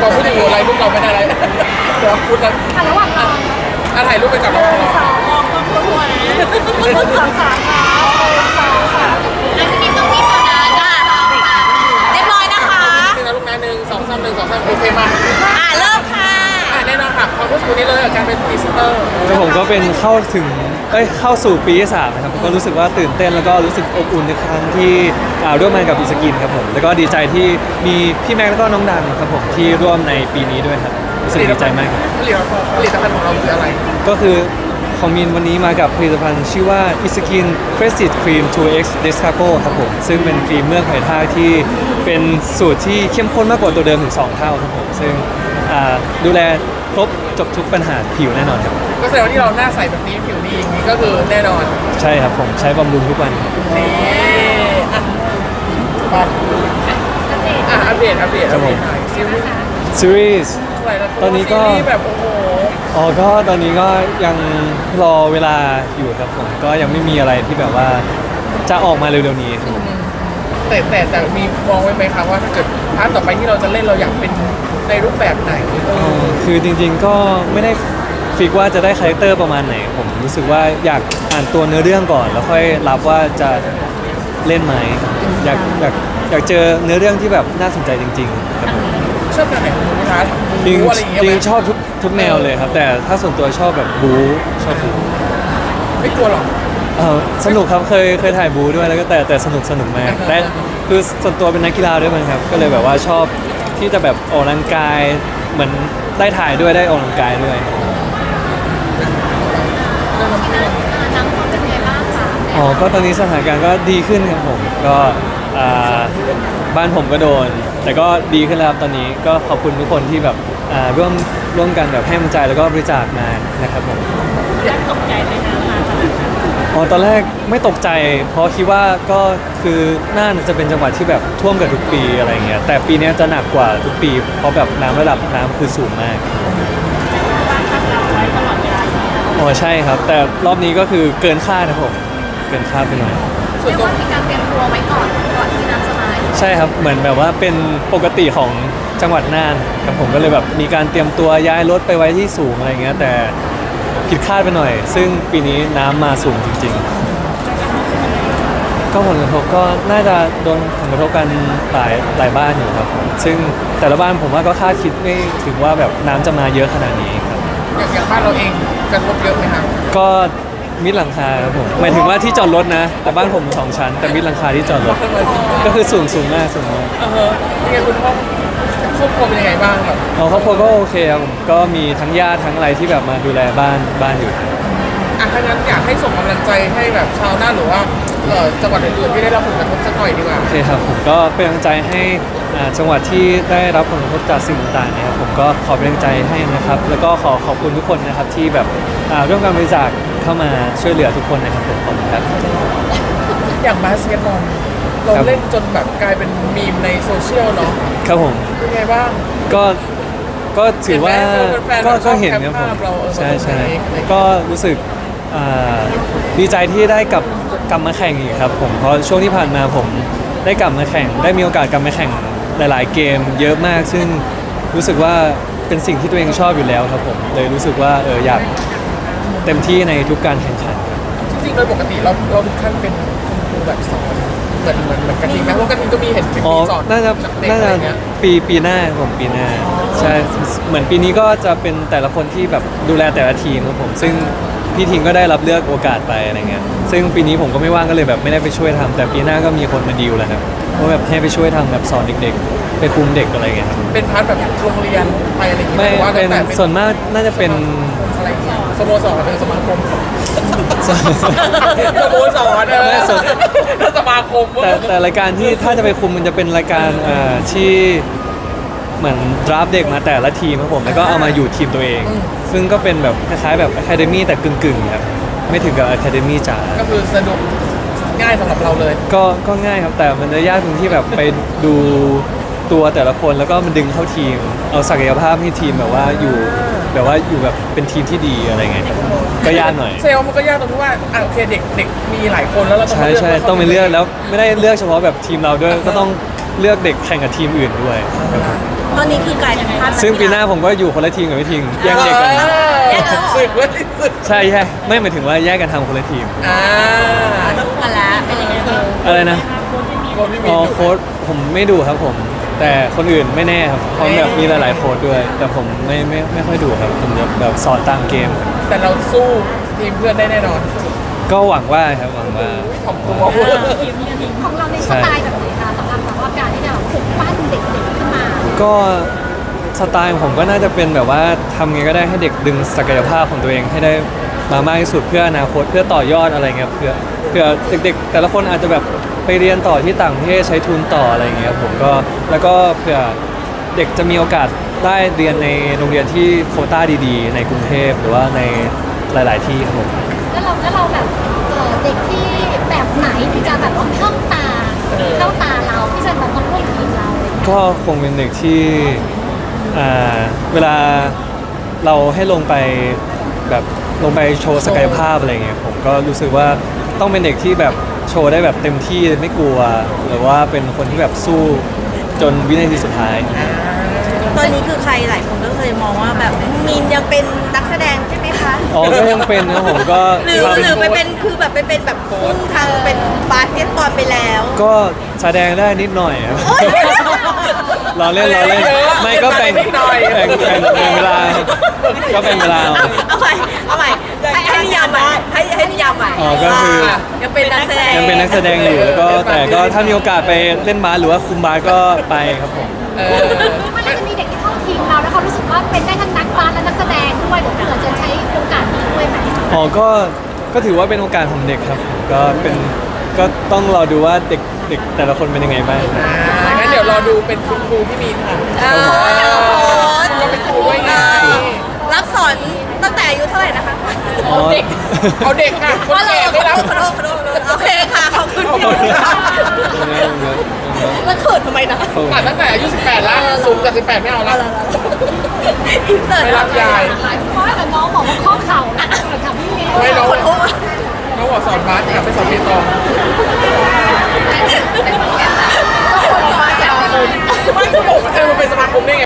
พอพูดถึงอะไรลูกเราไม่ได้อะไรเดี๋ยวพูดแล้วระหว่างเราถ่ายรูปไปกับน้องสองมองต้องตัวนะสองสามสองสามอันนี้ต้องมีตัวนะจ้าเรียบร้อยนะคะนี่นะลูกนะ1 2 3 1 2 3โอเคมาเริ่มค่ะแน่นอนค่ะความรู้สึกนี้เลยกับการเป็นพรีเซนเตอร์แต่ผมก็เป็นเข้าสู่ปีที่3นะครับก็รู้สึกว่าตื่นเต้นแล้วก็รู้สึกอบอุ่นในครั้งที่ร่วมงานกับอิสกินครับผมแล้วก็ดีใจที่มีพี่แม็กแล้วก็น้องดังครับผมที่ร่วมในปีนี้ด้วยครับรู้สึกดีใจมากครับผลิตภัณฑ์ของเราคืออะไรก็คือของมินวันนี้มากับผลิตภัณฑ์ชื่อว่า Iskin Prestige Cream 2X Descapo ครับผมซึ่งเป็นครีมเมือกหอยทากที่เป็นสูตรที่เข้มข้นมากกว่าตัวเดิมถึง2 เท่าครับผมซึ่งดูแลครบจบทุกปัญหาผิวแน่นอนครับก็แสดงว่าที่เราหน้าใสแบบนี้ผิวดีอย่างนี้ก็คือแน่นอนใช่ครับผมใช้บำรุงทุกวันนี่อัปเดตหน่อยซีรีส์ตอนนี้ก็แบบโอ้โหก็ตอนนี้ก็ยังรอเวลาอยู่ครับผมก็ยังไม่มีอะไรที่แบบว่าจะออกมาเร็วๆนี้แต่มีมองไว้ไหมคะว่าถ้าเกิดพาร์ทต่อไปที่เราจะเล่นเราอยากเป็นในรูปแบบไหนคือจริงๆก็ไม่ได้ฟิกว่าจะได้คาแรคเตอร์ประมาณไหนผมรู้สึกว่าอยากอ่านตัวเนื้อเรื่องก่อนแล้วค่อยรับว่าจะเล่นไหมอยากเจอเนื้อเรื่องที่แบบน่าสนใจจริงๆครับชอบแบบไหนคุณพาร์ทจริงชอบทุกแนวเลยครับแต่ถ้าส่วนตัวชอบแบบบู๊ชอบบู๊ไม่กลัวหรอสนุกครับเคยถ่ายบูด้วยแล้วก็แต่สนุกมากแต่คือส่วนตัวเป็นนักกีฬาด้วยมั้งครับก็เลยแบบว่าชอบที่จะแบบออกกำลังกายเหมือนได้ถ่ายด้วยได้ออกกำลังกายด้วยก็ตอนนี้สถานการณ์ก็ดีขึ้นครับผมก็บ้านผมก็โดนแต่ก็ดีขึ้นแล้วครับตอนนี้ก็ขอบคุณทุกคนที่แบบร่วมกันแบบให้กำลังใจแล้วก็บริจาคมานะครับผมตกใจไหมคะตอนแรกไม่ตกใจเพราะคิดว่าก็คือน่านจะเป็นจังหวัดที่แบบท่วมกับทุกปีอะไรเงี้ยแต่ปีนี้จะหนักกว่าทุกปีเพราะแบบระดับน้ำคือสูงมากใช่ครับแต่รอบนี้ก็คือเกินคาดนะผมเกินคาดไปหน่อยส่วนตัวมีการเตรียมตัวไว้ก่อนที่น้ำจะมาใช่ครับเหมือนแบบว่าเป็นปกติของจังหวัดน่านครับผมก็เลยแบบมีการเตรียมตัวย้ายรถไปไว้ที่สูงอะไรเงี้ยแต่ผิดคาดไปหน่อยซึ่งปีนี้น้ำมาสูงจริงๆก็ผลกระทบก็น่าจะโดนผลกระทบกันหลายบ้านอยู่ครับซึ่งแต่ละบ้านผมว่าก็คาดคิดไม่ถึงว่าแบบน้ำจะมาเยอะขนาดนี้ครับอย่างบ้านเราเองกระทบเยอะไหมครับก็มิดหลังคาครับผมหมายถึงว่าที่จอดรถนะแต่บ้านผม2 ชั้นแต่มิดหลังคาที่จอดรถก็คือสูงมากยังไงคุณพ่อครอบครัวเป็นยังไงบ้างแบบครอบครัวก็โอเคครับก็มีทั้งญาติทั้งอะไรที่แบบมาดูแลบ้านอยู่ถ้างั้นอยากให้ส่งกำลังใจให้แบบชาวน่านหรือว่าจังหวัดอื่นๆที่ได้รับผลกระทบสักหน่อยดีกว่าโอเคครับผมก็เป็นกำลังใจให้จังหวัดที่ได้รับผลกระทบจากสิ่งต่างๆนะครับผมก็ขอเป็นกำลังใจให้นะครับแล้วก็ขอบคุณทุกคนนะครับที่แบบร่วมกันบริจาคเข้ามาช่วยเหลือทุกคนนะครับผมขอบคุณครับอย่างบาสเกตบอลเราเล่นจนแบบกลายเป็นมีมในโซเชียลเนาะครับผมเป็นไงบ้างก็ถือว่าก็เห็นครับผมใช่ก็รู้สึกดีใจที่ได้กลับมาแข่งอีกครับผมเพราะช่วงที่ผ่านมาผมได้กลับมาแข่งได้มีโอกาสกลับมาแข่งหลายๆเกมเยอะมากซึ่งรู้สึกว่าเป็นสิ่งที่ตัวเองชอบอยู่แล้วครับผมเลยรู้สึกว่าอยากเต็มที่ในทุกการแข่งขันจริงๆโดยปกติเราถึงขั้นเป็นคุณครูแบบสอนเหมือนกระทิงไหมเพราะกระทิงก็มีเห็นเป็นสอนน่าจะปีหน้าผมปีหน้าใช่เหมือนปีนี้ก็จะเป็นแต่ละคนที่แบบดูแลแต่ละทีมครับผมซึ่งพี่ทิงก็ได้รับเลือกโอกาสไปอะไรเงี้ยซึ่งปีนี้ผมก็ไม่ว่างก็เลยแบบไม่ได้ไปช่วยทำแต่ปีหน้าก็มีคนมาดีลแล้วครับว่าแบบให้ไปช่วยทำแบบสอนเด็กๆไปคุมเด็กอะไรเงี้ยครับเป็นพาร์ทแบบโรงเรียนไปอะไรอย่างเงี้ยไม่เป็นส่วนมากน่าจะเป็นอะไรสโมสรสมาคมสโมสรสมาคมแต่รายการที่ถ้าจะไปคุมมันจะเป็นรายการที่เหมือนดราฟเด็กมาแต่ละทีมครับผมแล้วก็เอามาอยู่ทีมตัวเองซึ่งก็เป็นแบบคล้ายๆแบบอะคาเดมี่แต่กึ่งๆครับไม่ถึงกับอะคาเดมี่จ๋าก็คือสนุกง่ายสำหรับเราเลยก็ง่ายครับแต่มันจะยากตรงที่แบบไปดูตัวแต่ละคนแล้วก็มันดึงเข้าทีมเอาศักยภาพให้ทีมแบบว่าอยู่แบบเป็นทีมที่ดีอะไรเงี้ยก็ยากหน่อยเซลมันก็ยากตรงที่ว่าโอเคเด็กมีหลายคนแล้วเราต้องเลือกใช่ต้องไปเลือกแล้วไม่ได้เลือกเฉพาะแบบทีมเราด้วยก็ต้องเลือกเด็กแข่งกับทีมอื่นด้วยตอนนี้คือกลายเป็นภาพซึ่งปีหน้าผมก็อยู่คนละทีมกับพี่ทิงแย่งเด็กกันสึกเว้ยสึกใช่ใช่ไม่หมายถึงว่าแยกกันทำคนละทีมสู้กันแล้วเป็นยังไงบ้างอะไรนะคนที่มีอ๋อโค้ดผมไม่ดูครับผม แต่คนอื่นไม่แน่ครับเพราะแบบมีหลายๆโค้ดด้วย แต่ผมไม่ค่อยดูครับผมจะแบบสอนตามเกมแต่เราสู้ทีมเพื่อนได้แน่นอนก็หวังว่าครับหวังว่าขอบคุณของเราในสไตล์แบบไหนคะสำหรับแบบว่าการที่จะแบบปลุกปั้นเด็กๆขึ้นมาก็สไตล์ของผมก็น่าจะเป็นแบบว่าทำไงก็ได้ให้เด็กดึงศักยภาพของตัวเองให้ได้มามากที่สุดเพื่ออนาคตเพื่อต่อยอดอะไรเงี้ยเพื่อเด็กๆ แต่ละคนอาจจะแบบไปเรียนต่อที่ต่างประเทศใช้ทุนต่ออะไรเงี้ยผมก็แล้วก็เพื่อเด็กจะมีโอกาสได้เรียนในโรงเรียนที่โควต้าดีๆ ในกรุงเทพหรือว่าในหลาย ๆ ที่ครับผมแล้วเราแบบเด็กที่แบบไหนที่จะแบบว่าเข้าตาเราที่จะแบบมาร่วมทีมเราอะไรอย่างเงี้ยก็คงเป็นเด็กที่เวลาเราให้ลงไปแบบลงไปโชว์ศักยภาพอะไรเงี้ยผมก็รู้สึกว่าต้องเป็นเด็กที่แบบโชว์ได้แบบเต็มที่ไม่กลัว หรือว่าเป็นคนที่แบบสู้จนวินาทีสุดท้ายตอนนี้คือใครหลายคนก็เคยมองว่าแบบมีนยังเป็นนักแสดงใช่ไหมคะอ๋อก็ยังเป็นนะผมก็หรือทำหรือไปเป็นคือแบบไปเป็นแบบพุ่งทางเป็นบาสเกตบอลไปแล้วก็แสดงได้นิดหน่อยครับรอเล่นไม่ก็แบ่งเวลาก็เป็นเวลาเอาใหม่ให้นิยามใหม่ให้นิยามใหม่อ๋อก็คือยังเป็นนักแสดงยังเป็นนักแสดงอยู่แล้วก็แต่ก็ถ้ามีโอกาสไปเล่นบาสหรือว่าคุมบาสก็ไปครับผมมันน่าจะมีเด็กที่เข้าทีมเราแล้วเขารู้สึกว่าเป็นได้ทั้งนักบาสและนักแสดงด้วยเดี๋ยวเผื่อจะใช้โอกาสนี้ด้วยไหมอ๋อก็ถือว่าเป็นโอกาสของเด็กครับก็ต้องรอดูว่าเด็กแต่ละคนเป็นยังไงบ้างงั้นเดี๋ยวรอดูเป็นคุณครูพี่มีนค่ะ ก็เป็นครูด้วยไงรับสอนตั้งแต่อายุเท่าไหร่นะคะอ๋อเอาเด็กค่ะคนแก่ไม่รับขอโทษโอเคค่ะขอบคุณค่ะแล้วเขินทำไมนะอ่านตั้งแต่อายุ 18แล้วสูงจาก18ไม่เอาแล้วอินเสิร์ตไม่รับยายเพราะแต่น้องบอกว่าข้อเข่านะกับพี่เมย์ไม่น้องขอโทษน้องบอกสอนบาสกลับไปสอนเปียโนก็คนมาแซวไม่ก็บอกว่ามันเป็นสมาคมได้ไง